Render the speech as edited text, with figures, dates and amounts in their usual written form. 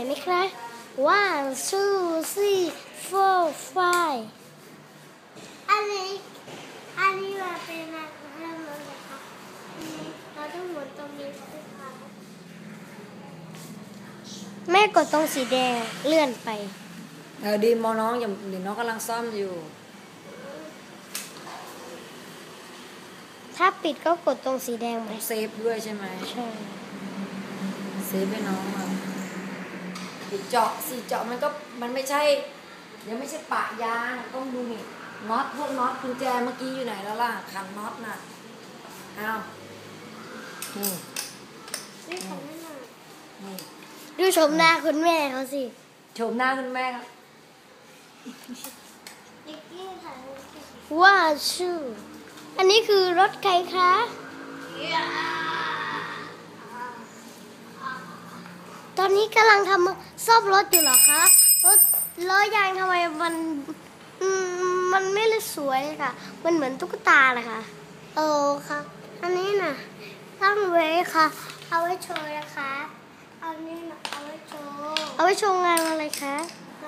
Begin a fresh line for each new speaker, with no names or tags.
ไหมคะ one two three four five
อันนี้มาเป็นอะไรเลยคะเราต้องหมุนตรงนี้ใช่ไหมคะ
แม่กดตรงสีแดงเลื่อนไป
ดีมอน้องอย่าเดี๋ยวน้องกำลังซ่อมอยู่
ถ้าปิดก็กดตรงสีแดงไป
เซฟด้วยใช่ไหม
ใช่
เซฟให้น้องอ่ะเจาะมันไม่ใช่ยังไม่ใช่ปะยางต้องดูนี่น็อตพวกน็อตกุญแจเมื่อกี้อยู่ไหนแล้วล่ะขันน็อตน่ะอ้าว
นี่ของแม่หน่อย
นี่
ดูชมหน้าคุณแม่เขาสิ
ชมหน้าคุณแม่ครับ
นิกกี้ค่ะ
ว่าชื่ออันนี้คือรถใครคะตอนนี้กำลังทำซ่อมรถอยู่เหรอคะรถล้อยางทำไมมันไม่สวยค่ะมันเหมือนตุ๊กตาเลยค่ะ
ค่ะอันนี้น่ะตั้งไว้ค่ะเอาไว้โชว์นะคะเอานี่น่ะเอาไว้โชว์
เอาไว้โชว์งานอะไรคะ